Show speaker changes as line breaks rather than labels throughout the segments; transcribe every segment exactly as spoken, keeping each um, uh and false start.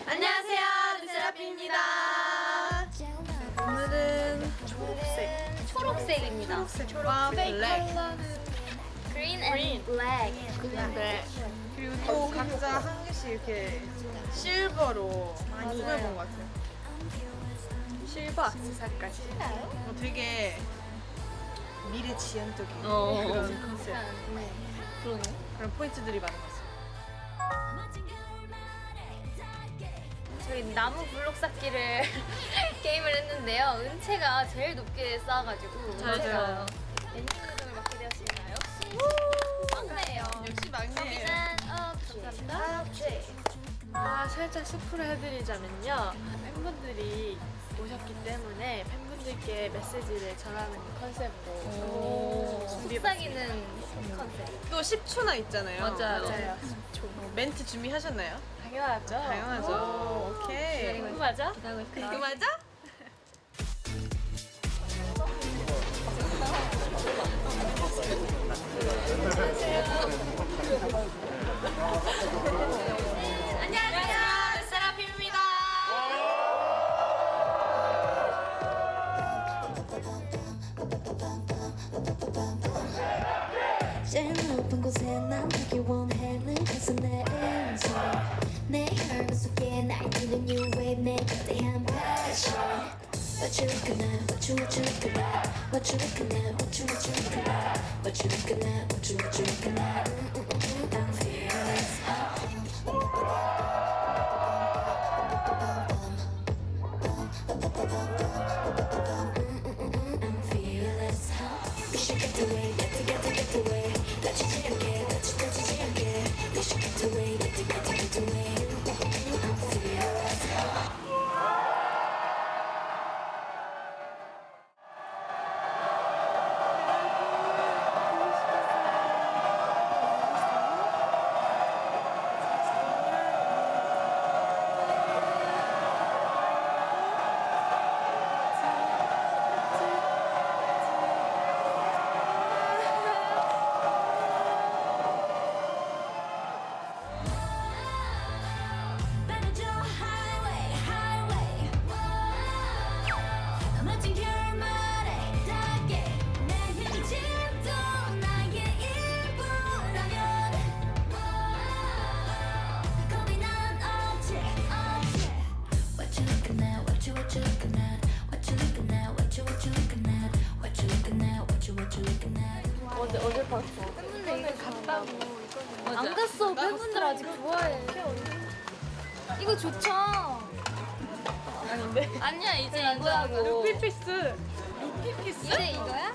안녕하세요, 르세라핌입니다.
오늘은 초록색,
초록색입니다.
초록색, 초록, 블랙,
Green and black.
그린 블랙. 그리고 또 각자 한 개씩 이렇게 실버로 많이 꾸며본 것 같아요. 실버 악세사리까지. 어, 되게 미래지향적인
어.
그런 컨셉,
그러네.
그런 포인트들이 많은 것 같아요.
저희 나무 블록 쌓기를 게임을 했는데요. 은채가 제일 높게 쌓아가지고
맞아요.
엔딩 맡게 되었습니다. 역시 막내예요.
역시 막내예요.
짠! 어, 감사합니다.
아, 살짝 스포를 해드리자면요. 팬분들이 오셨기 때문에 팬분들께 메시지를 전하는 컨셉으로
오, 속삭이는 컨셉.
또 십 초나 있잖아요.
맞아요.
맞아요.
어, 멘트 준비하셨나요?
당연하죠.
당연하죠. 오케이.
이거 맞아?
기다리고 있다.
이거 맞아?
안녕하세요, 르세라핌입니다.
제일 높은 곳에 난 가기 원하는 곳은 내 인생 내 혈관 속에 날뛰는 new wave 내 거대한 passion What you looking at, what you, what you looking at What you looking at, what you, what you looking at What you looking at, what you, what you looking at mm, mm, mm, mm, I'm fearless I'm fearless We should get away, get to, get to, get away touch it again, touch it, touch it again We should get away, get to, get to, get away I'm fearless Better draw highway, highway. 멋진 결말에 닿게 내 힘짐도 나의 일부라면 겁이 난 없지, 없지. What you looking at, what you, what you looking at What you looking at, what you, what you looking at What you looking at, what you, what you looking at
어제, 어제 봤어.
팬분들 이거
갔다고.
좋아. 안 갔어. 팬분들 아직 좋아해. 이거 좋죠?
아닌데?
아니야, 이제 이거하고.
루피피스.
루피피스?
이제 이거야?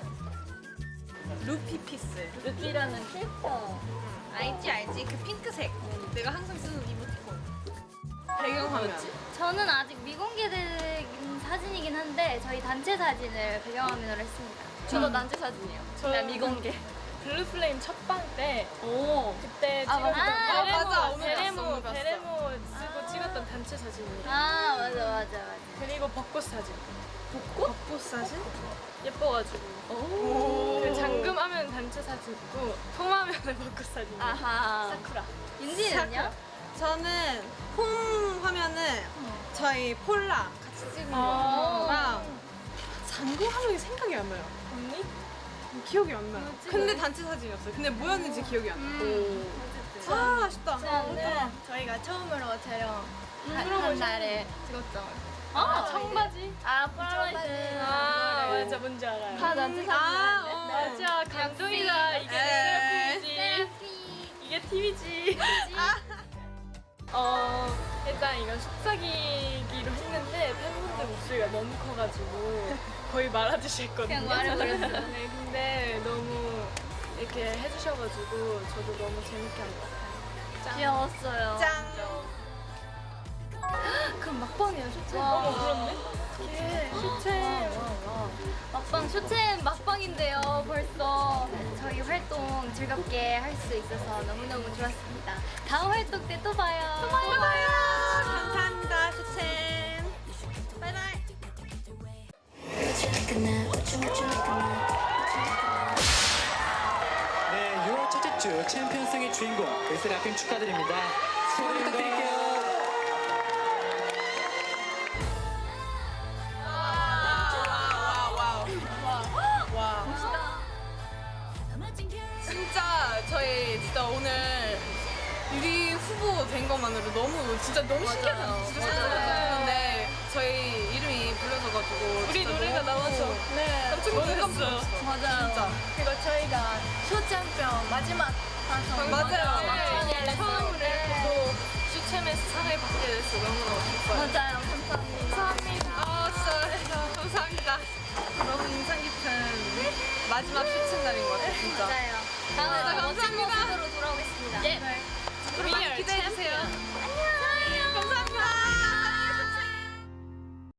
루피피스.
루피라는 캐릭터.
알지 알지 그 핑크색. 내가 항상 쓰는 이모티콘. 배경화면.
저는 아직 미공개된 사진이긴 한데 저희 단체 사진을 배경화면으로 했습니다. 저도 단체 사진이에요.
저 미공개. 블루플레임 첫방 때
오.
그때
아,
찍었던
맞아.
베레모,
아, 맞아. 오늘
베레모,
봤어, 오늘 봤어.
베레모 쓰고 찍었던 단체 사진이에요.
아 맞아 맞아 맞아.
그리고 벚꽃 사진.
벚꽃 사진?
예뻐가지고.
오.
그 잠금하면 단체 사진 있고 통화하면 벚꽃 사진.
아하.
사쿠라.
윤지는요?
저는 홈 화면은 저희 폴라 같이 찍은
아.
거랑 잠금 화면이 생각이 안 나요.
언니?
기억이 안 나요. 근데 단체 사진이었어요. 근데 뭐였는지 기억이 안 나요.
음.
아, 아쉽다.
저는
저희가 처음으로 촬영
음,
한,
그런
한
거
날에 찍었죠.
아
청바지?
아 폴라로이드.
아 맞아 뭔지 알아요.
다 단체
아,
사진인데.
어.
맞아 감동이다. 이게
에이.
셀프이지.
셀피.
이게 티비지. 어 일단 이건 속삭이기로 했는데 팬분들 목소리가 너무 커가지고 거의 말하듯이 했거든요.
그냥 말해버렸어요.
네, 근데 너무 이렇게 해주셔가지고 저도 너무 재밌게 한 것 같아요. 짱.
귀여웠어요.
짱.
그럼 막방이에요, 쇼챔.
어머 그렇네. 어떡해. 쇼챔.
막방, 쇼챔 막방인데요, 벌써. 저희 활동 즐겁게 할 수 있어서 너무너무 좋았습니다. 다음 활동 때 또 봐요. 또 봐요.
또 봐요. 감사합니다, 슈챔. 바이바이.
What you looking at, what you, what you looking at
네, 유월 첫째 주 챔피언성의 주인공 르세라핌 축하드립니다. 소리 부탁드릴게요.
정도 된 것만으로 너무 진짜 너무 신기해요. 진짜 신기했는데 저희 이름이 불려져가지고
우리
진짜
노래가
너무
나와서 네
깜짝 놀랐어요.
맞아요.
진짜.
그리고 저희가 쇼챔피언 마지막 방송
맞아요.
네, 처음으로 이렇게 또 슈챔에서 상을 받게 돼서 너무너무 기뻐요.
맞아요. 감사합니다.
감사합니다.
아 진짜 감사합니다. 너무 인상 깊은 마지막 슈츠 날인 것 같아요. 진짜.
맞아요. 다음에 더 멋진
감사합니다.
모습으로 돌아오겠습니다.
예.
많이 기대해 주세요.